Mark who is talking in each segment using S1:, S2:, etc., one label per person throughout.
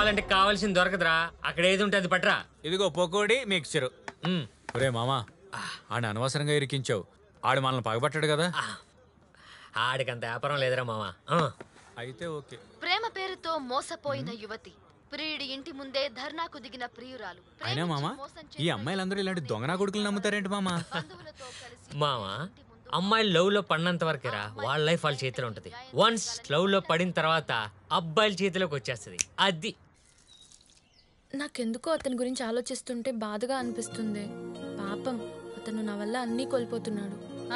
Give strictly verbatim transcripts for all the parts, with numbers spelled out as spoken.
S1: కావాలంటే కావాల్సింది దొరకదురా. అక్కడ ఏది ఉంటే అది పట్రా.
S2: ఇదిగో పకోడీ మిక్చర్. ఒరే మామా, ఆడ అనవసరంగా ఇరికించావు. ఆడు మనల్ని పగబట్టాడు కదా.
S1: ఆడికంత వ్యాపారం లేదురా మామా.
S2: అయితే ఓకే.
S3: ప్రేమ పేరుతో మోసపోయిన యువతి, ప్రియుడి ఇంటి ముందే ధర్నాకు దిగిన ప్రియురాలు.
S2: అయినా మామా, ఈ అమ్మాయిలందరూ ఇలాంటి దొంగనా కొడుకులు నమ్ముతారేంటి మామా?
S1: మామా, అమ్మాయిలు లవ్ లో పడినంత వరకేరా వాళ్ళ లైఫ్ వాళ్ళ చేతిలో ఉంటది. వన్స్ లవ్ లో పడిన తర్వాత అబ్బాయిల చేతిలోకి వచ్చేస్తుంది. అది
S4: నాకెందుకో అతని గురించి ఆలోచిస్తుంటే బాధగా అనిపిస్తుంది. పాపం, అతను నా వల్ల అన్నీ కోల్పోతున్నాడు.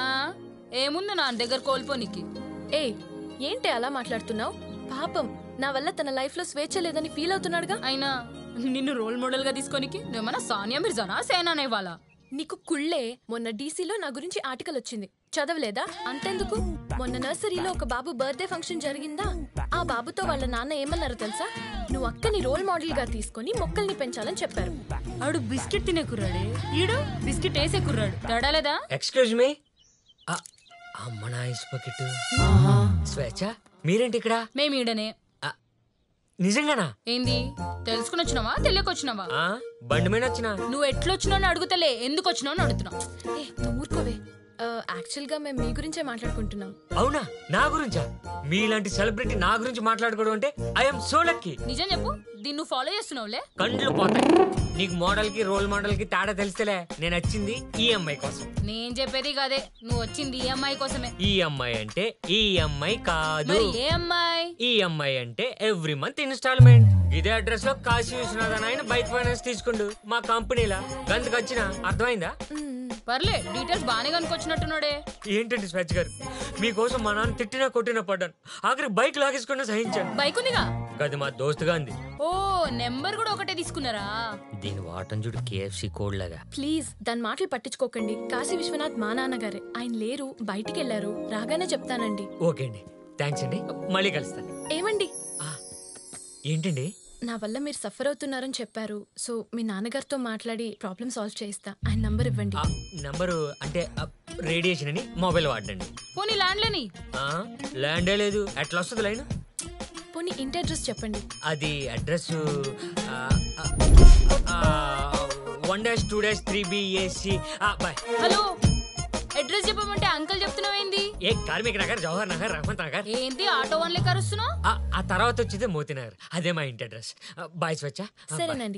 S5: ఏముంది నా దగ్గర కోల్పోనికి?
S4: ఏ ఏంటి అలా మాట్లాడుతున్నావు? పాపం, నా వల్ల తన లైఫ్ లో స్వేచ్ఛ లేదని ఫీల్ అవుతున్నాడుగా.
S5: అయినా నిన్ను రోల్ మోడల్ గా తీసుకోనికి నువ్వేమన్నా సానియా మిర్జానా సేనానే వాళ్ళ?
S4: నీకు కుళ్ళే. మొన్న డీసీలో నా గురించి ఆర్టికల్ వచ్చింది, చదవలేదా? అంతెందుకు, మొన్న నర్సరీలో ఒక బాబు బర్త్డే ఫంక్షన్ జరిగిందా? ఆ బాబుతో వాళ్ళ నాన్న ఏమన్నారో తెలుసా? నువ్వు అక్కని రోల్ మోడల్ గా తీసుకొని మొక్కల్ని పెంచాలని చెప్పారు.
S5: ఆడు బిస్కెట్ తినే కుర్రాడే, ఈడు బిస్కెట్ వేసే కుర్రాడు. తేడా లేదా?
S1: Excuse me. అమ్మ నా ఐస్ బకెట్. స్వేచ్ఛ, మీరేంటి ఇక్కడ?
S5: మేము ఈడనే.
S1: నిజంగానా?
S5: ఏంది, తెలుసుకుని వచ్చినావా తెలియకొచ్చినావా?
S1: బండి మీద వచ్చినా.
S5: నువ్వు ఎట్లొచ్చినావు అడుగుతలే, ఎందుకు వచ్చినావు అని అడుగుతున్నావు.
S4: ఏ నువ్వు ఊరుకోవే. యాక్చువల్ గా మేము మీ గురించే మాట్లాడుకుంటున్నాం.
S1: అవునా? నా గురించా? మీలాంటి సెలబ్రిటీ నా గురించి మాట్లాడుకోవడం అంటే ఐఎమ్ సో లక్కీ.
S5: నిజం చెప్పు, దీన్ని నువ్వు ఫాలో చేస్తున్నావులే?
S1: కండ్లు పోతాయి. నీకు మోడల్ కి రోల్ మోడల్ కి తేడా తెలిస్తేలే. నేను వచ్చింది ఈ అమ్మాయి కోసం.
S5: నేను చెప్పేది కాదే, నువ్వు వచ్చింది ఈ అమ్మాయి కోసమే.
S1: ఈ అమ్మాయి అంటే ఈ అమ్మాయి కాదు.
S5: ఏ అమ్మాయి?
S1: ఈ అమ్మాయి అంటే ఎవ్రీ మంత్ ఇన్స్టాల్మెంట్. ఇదే అడ్రస్ లో కాశీ విశ్వనాథన్ ఆయన బైక్ ఫైనాన్స్ తీసుకుండు మా కంపెనీలా. గంతకు వచ్చిన అర్థమైందా?
S5: పర్లే, డీటెయిల్స్ బాగానే కనుకొచ్చినట్టున్నాడే.
S1: ఏంటండి స్వేచ్ఛ గారు, మీకోసం మా నాన్న తిట్టినా కొట్టినా పడ్డాను. ఆఖరి బైక్ లాగేసుకున్నా సహించాను.
S5: బైక్ ఉందిగా?
S1: అది మా దోస్తుగా ఉంది.
S5: ఓ, నెంబర్ కూడా ఒకటే తీసుకున్నారా?
S1: దీని వాటం చూడు, కేఎఫ్సి కోడ్ లాగా.
S4: ప్లీజ్ దాని మాటలు పట్టించుకోకండి. కాశీ విశ్వనాథ్ మా నాన్నగారే. ఆయన లేరు, బయటికి వెళ్ళారు. రాగానే చెప్తానండి.
S1: ఓకే అండి, థ్యాంక్స్ అండి. మళ్ళీ కలుస్తాను.
S4: ఏమండి,
S1: ఏంటండి?
S4: నా వల్ల మీరు సఫర్ అవుతున్నారని చెప్పారు. సో మీ నాన్నగారితో మాట్లాడి ప్రాబ్లమ్ సాల్వ్ చేయిస్తా. ఆయన నంబర్ ఇవ్వండి.
S1: నంబరు అంటే రేడియేషన్ అని మొబైల్ వాడండి.
S5: పోనీ ల్యాండ్ లేని?
S1: ల్యాండే లేదు, ఎట్లా వస్తుంది లైన్?
S4: పోనీ ఇంటి అడ్రస్ చెప్పండి.
S1: అది address one dash two dash three BAC. Bye.
S5: Hello, address చెప్పమంటే అంకల్ చెప్తున్నావేంది?
S1: ఏ కార్మిక్ నగర్, జవహర్ నగర్, రహమత్ నగర్.
S5: ఏంటి ఆటో వన్ లెక్క అరుస్తున్నావు?
S1: ఆ తర్వాత వచ్చేది మోతీ నగర్. అదే మా ఇంటి అడ్రస్. బాయ్ స్వచ్ఛ.
S4: సరేనండి.